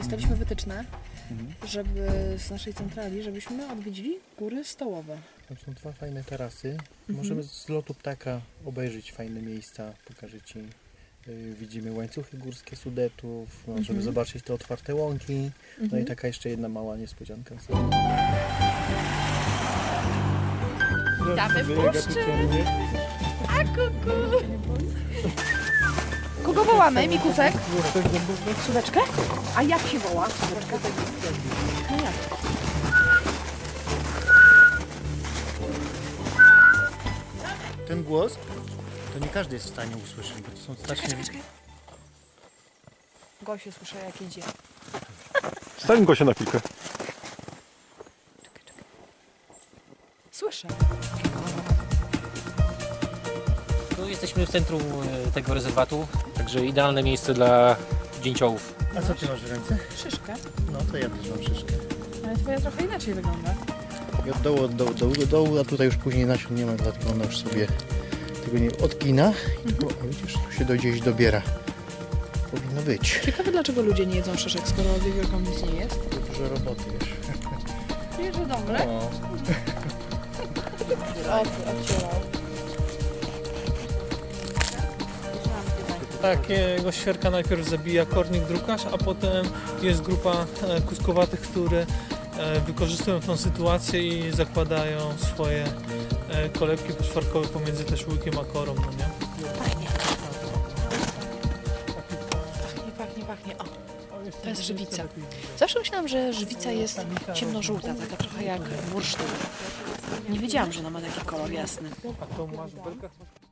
dostaliśmy wytyczne, żeby z naszej centrali, żebyśmy odwiedzili góry stołowe. Tam są dwa fajne tarasy. Możemy z lotu ptaka obejrzeć fajne miejsca, pokażę Ci. Widzimy łańcuchy górskie Sudetów, możemy zobaczyć te otwarte łąki. No i taka jeszcze jedna mała niespodzianka. Witamy w puszczy! A kuku! Kogo wołamy? Mikusek? Sudeczkę? A jak się woła? Sudeczka? No jak? Ten głos to nie każdy jest w stanie usłyszeć, bo to są strasznie... Czekaj. Gosiu słyszę jak idzie. Stań Gosia na chwilkę. Słyszę. Tu jesteśmy w centrum tego rezerwatu, także idealne miejsce dla dzięciołów. A co Ty masz w ręce? Szyszkę. No to ja też mam szyszkę. Ale twoja trochę inaczej wygląda. I od dołu do dołu, a tutaj już później nasion nie ma, dlatego ona już sobie tego nie odgina. O, widzisz, tu się gdzieś dobiera. Powinno być. Ciekawe dlaczego ludzie nie jedzą szyszek, skoro od wielką nic nie jest. Dużo roboty, wiesz. Wiesz, że dobre? No. Odcierał. Takiego świerka najpierw zabija kornik drukarz, a potem jest grupa kuskowatych, które wykorzystują tą sytuację i zakładają swoje kolebki poszwarkowe pomiędzy też łykiem a korą, no nie? Pachnie. O, to jest żywica. Zawsze myślałam, że żywica jest ciemnożółta, taka trochę jak bursztyn. Nie wiedziałam, że ona ma taki kolor jasny. A to masz w belkach?